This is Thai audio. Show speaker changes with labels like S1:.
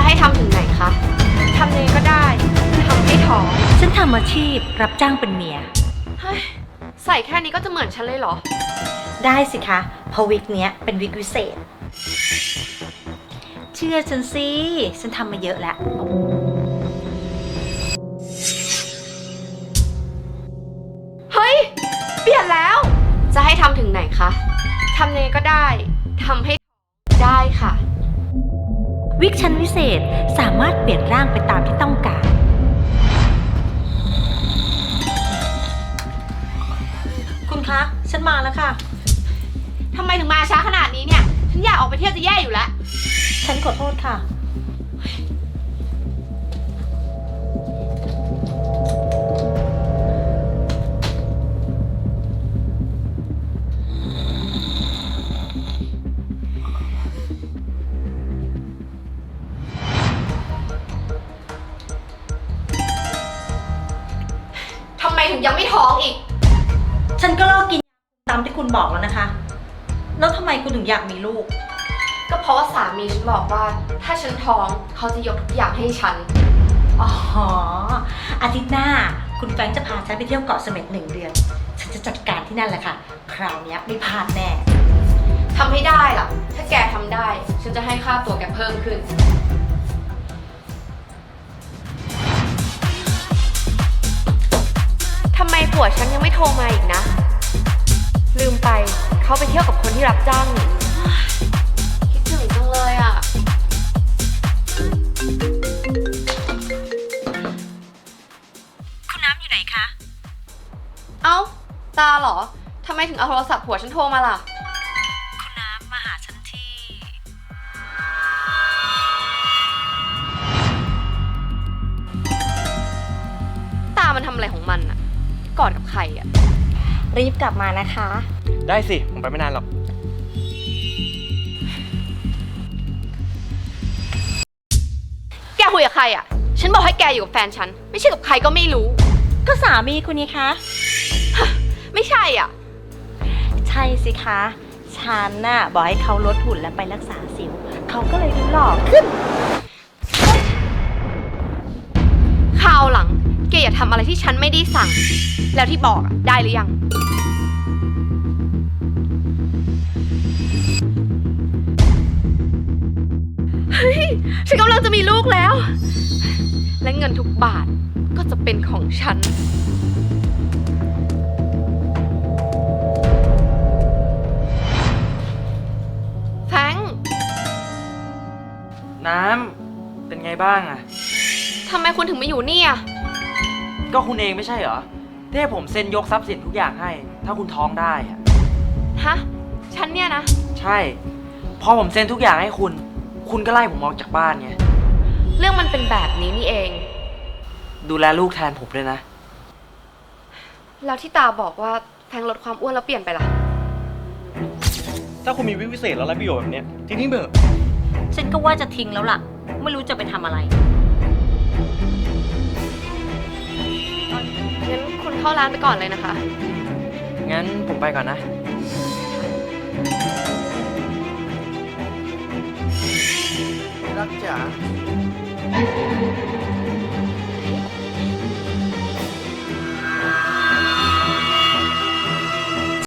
S1: ให้ทำถึงไหนคะทำยังไงก็ได้ทำให้ท้อง
S2: ฉันทำอาชีพรับจ้างเป็นเมีย
S1: เฮ้ยใส่แค่นี้ก็จะเหมือนฉันเลยเหรอ
S2: ได้สิคะเพราะวิกเนี้ยเป็นวิกวิเศษ เชื่อฉันสิ ฉันทำมาเยอะแล้ว
S1: เฮ้ยเปลี่ยนแล้ว จะให้ทำถึงไหนคะทำยังไงก็ได้ทำให้ได้ค่ะ
S2: วิกชั้นวิเศษสามารถเปลี่ยนร่างไปตามที่ต้องการ คุณคะ ฉันมาแล้วค่ะ
S1: ทำไมถึงมาช้าขนาดนี้เนี่ย ฉันอยากออกไปเที่ยวจะแย่อยู่แล้ว
S2: ฉันขอโทษค่ะ
S1: ทำไมถึงยังไม่ท้องอีก
S2: ฉันก็เลิกกินตามที่คุณบอกแล้วนะคะ แล้วทำไมคุณถึงอยากมีลูก
S1: ก็เพราะว่าสามีฉันบอกว่า ถ้าฉันท้องเขาจะยกทุกอย่างให้ฉัน
S2: อ๋อ อาทิตย์หน้า คุณแฟรงค์จะพาฉันไปเที่ยวเกาะเสม็ด1 เดือน ฉันจะจัดการที่นั่นแหละค่ะ คราวนี้ไม่พลาดแน่
S1: ทำให้ได้ล่ะ ถ้าแกทำได้ ฉันจะให้ค่าตัวแกเพิ่มขึ้น ทำไมผัวฉันยังไม่โทรมาอีกนะ ลืมไปเขาไปเที่ยวกับคนที่รับจ้างนี่คิดถึงจังเลยอ่ะ
S2: คุณน้ำอยู่ไหนคะ
S1: เอ้า ตาเหรอ ทำไมถึงเอาโทรศัพท์ผัวฉันโทรมาล่ะ
S2: คุณน้ำมาหาฉันที่
S1: ตามันทำอะไรของมันอะกอดกับใครอะ
S2: รีบกลับมานะคะ
S3: ได้สิ ผมไปไม่นานหรอก
S1: แกคุยกับใครอะฉันบอกให้แกอยู่กับแฟนฉัน ไม่ใช่กับใครก็ไม่รู้
S2: ก็สามีคุณนี่คะ
S1: ไม่ใช่อ่ะ
S2: ใช่สิคะ ฉันน่ะบอกให้เขาลดหุ่นและไปรักษาสิว เขาก็เลยดูหล่อขึ้น
S1: คราวหลังแกอย่าทำอะไรที่ฉันไม่ได้สั่ง แล้วที่บอกอะได้หรือยัง เฮ้ย ฉันกำลังจะมีลูกแล้ว และเงินทุกบาทก็จะเป็นของฉัน แฟรงค์
S3: น้ำ เป็นไงบ้างอะ
S1: ทำไมคุณถึงมาอยู่นี่อะ
S3: ก็คุณเองไม่ใช่เหรอที่ให้ผมเซ็นยกทรัพย์สินทุกอย่างให้ ถ้าคุณท้องได้อะ
S1: ฮะ ฉันเนี่ยนะ
S3: ใช่ พอผมเซ็นทุกอย่างให้คุณ คุณก็ไล่ผมออกจากบ้านไง
S1: เรื่องมันเป็นแบบนี้นี่เอง
S3: ดูแลลูกแทนผมด้วยนะ
S1: แล้วที่ตาบอกว่าแฟรงค์ลดความอ้วนแล้วเปลี่ยนไปล่ะ
S3: ถ้าคุณมีวิวิเศษแล้วไรประโยชน์แบบเนี้ยทีนี้เบอร์
S2: ฉันก็ว่าจะทิ้งแล้วล่ะ ไม่รู้จะไปทำอะไร
S1: งั้นคุณเข้าร้านไปก่อนเลยนะคะ
S3: งั้นผมไปก่อนนะ รักจ๋า